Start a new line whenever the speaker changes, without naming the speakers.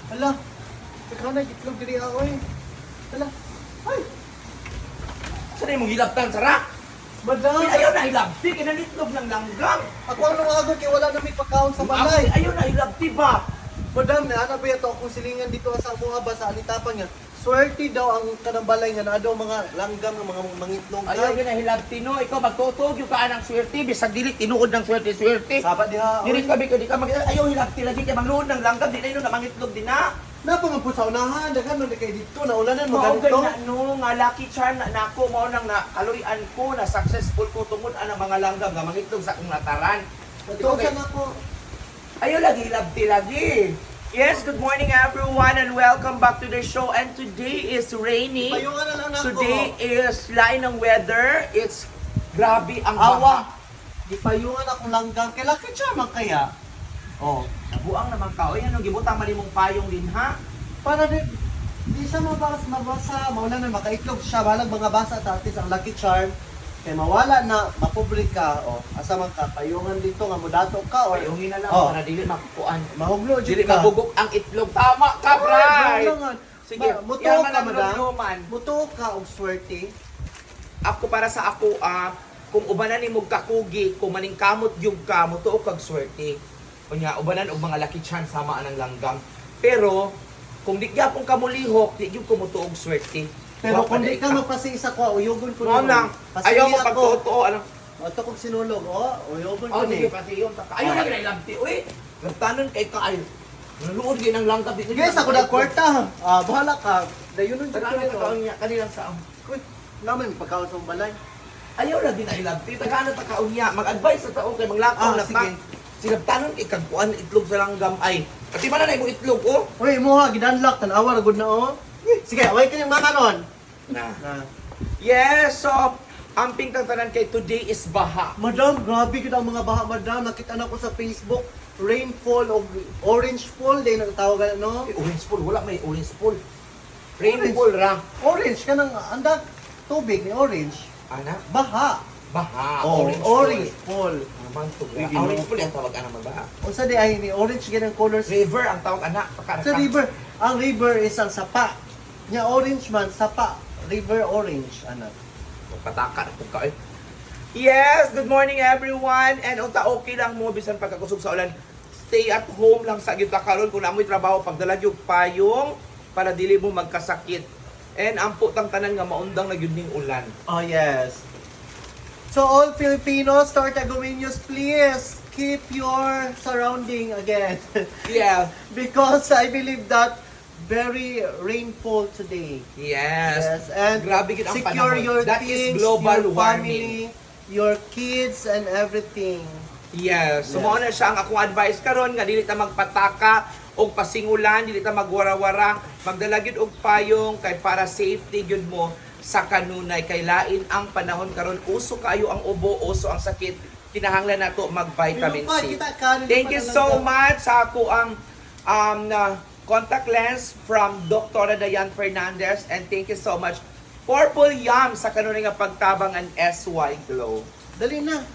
Hala, ikaw na, itlog diri ako eh. Hala, ay,
Saan yung hilabtan, Sara?
madam.
Ayaw na hilabti, kinalitlog ng langgam.
Ako ang nungagod kay wala na may pagkaon sa balay.
Ayaw na hilabti ba?
Madam, naana ba ito akong silingan dito sa mga ba sa alitapan nga. Swerte daw ang kanang balay nga naa daw mga langgam ng mga mangitlog.
Ayaw yun na hilabti, no? Ikaw magtutog yung kaan ng swerte, bisag dili, tinuod ng swerte-swerte.
Sabat diha.
Dili kami, di ka ayaw hilabti lagi, kaya mangluod ng langgam, di na yun na mangitlog din na.
Napangapos sa unahan, daghan man kay dito na ulanan
Mao
maganito.
na no, nga lucky charm na nako, mao nang na kaluyan ko, na successful ko tungod ang mga langgam nga mangitlog sa akong lataran.
Ito sa nako.
Ayaw lagi hilabti lagi. Yes, good morning everyone and welcome back to the show. And today is rainy.
Payungan na lang nako.
Today is lain ng weather. It's grabe ang
awa.
baha.
Gipayungan akong langgam kay laki charm kaya. Oh,
Nabuang naman ka. O yan, gibutang mali mong payong din ha.
para di siya mabasa, mauna na makaitlog siya, balag mga basa at artist ang lucky charm. Kay mawala na, mapublika, o asa man ka, payungan dito nga mudato ka, or
Payungin na lang
Oh.
para dili makukuan.
mahuglo,
Dili
dito ka.
mabugok ang itlog. Tama ka, Bray! Sige,
muto
yaman
ka,
ang
madam.
lumluman.
Muto ka, og swerte.
Ako para sa ako, kung ubanan ni mong kakugi, kung maningkamot yung ka, mutuo kag swerte. Kunya, ubanan og mga lucky chance sama anang langgam. Pero, kung di gyapon ka mulihok, di gyud ko mutuo og swerte.
Pero
Wa
kung
pa
di ka magpasiisa ko, uyugon ko
Mo nang, ayaw mo pagtotoo, ano?
O, ito kong sinulog, uyugon ko
Oh, sige,
ni.
pati yun. Ayaw na ginailamti, uy! Gantanon kay ka, ay. Naluod din ang langgam.
Guys, ako na kwarta. Bahala ka. Dayunon dito.
Tagano ka kaunya, kanilang saan.
Uy, naman, pagkaon sa balay.
Ayaw na din ay lamti. Tagano ta kaunya. Mag-advise sa taong kay maglakaw na
sige.
Sinabtanon kay kagpuan itlog sa langgam ay. Pati man na imong itlog, oh.
Uy, moha, gidanlock, tanawa, good na, Sige, away ka niyang makaron.
Na.
Na.
Yes, so, ang pingkang tanan kay today is baha.
Madam, grabe kita ang mga baha, madam. Nakita na ko sa Facebook, rainfall o orange fall, din ang tawagan, no?
May orange pool, wala may orange pool. Rainfall ra.
Orange ka ng andak, tubig ni orange.
Ana,
Baha.
baha.
Orange fall.
Naman to.
Uy, gino.
Orange pool yung tawag ana magbaha.
O sa di ay ni orange ganang colors.
River ang tawag ana.
Sa river, ang river is ang sapa. Nya orange man, sapa. River orange, anak.
Pataka na kung kain. Yes, good morning everyone. And unta okay lang mo bisan pagkakusog sa ulan. Stay at home lang sa gyud karon kung amoy trabaho pagdala gyud payong para dili mo magkasakit. And ang putang tanan nga maundang na gyud ning ulan.
Oh, yes. So all Filipinos, Tortagomeños, please keep your surrounding again.
Yeah.
Because I believe that very rainfall today.
Yes.
And
Grabe gyud ang
secure
panahon.
your
That
things,
is global
your
warming.
family, your kids, and everything.
Yes. So
Yes.
mao na siya ang akong advice karon nga dili ta magpataka og pasingulan, dili ta magwara-wara, magdala gyud og payong kay para safety gyud mo sa kanunay kay lain ang panahon karon uso kayo ang ubo, uso ang sakit. Kinahanglan nato mag-vitamin C. Thank you so much sa ako ang na contact lens from Dr. Dayan Fernandez, and thank you so much Purple Yum sa kanunay nga pagtabang ang SY Glow.
Dali na.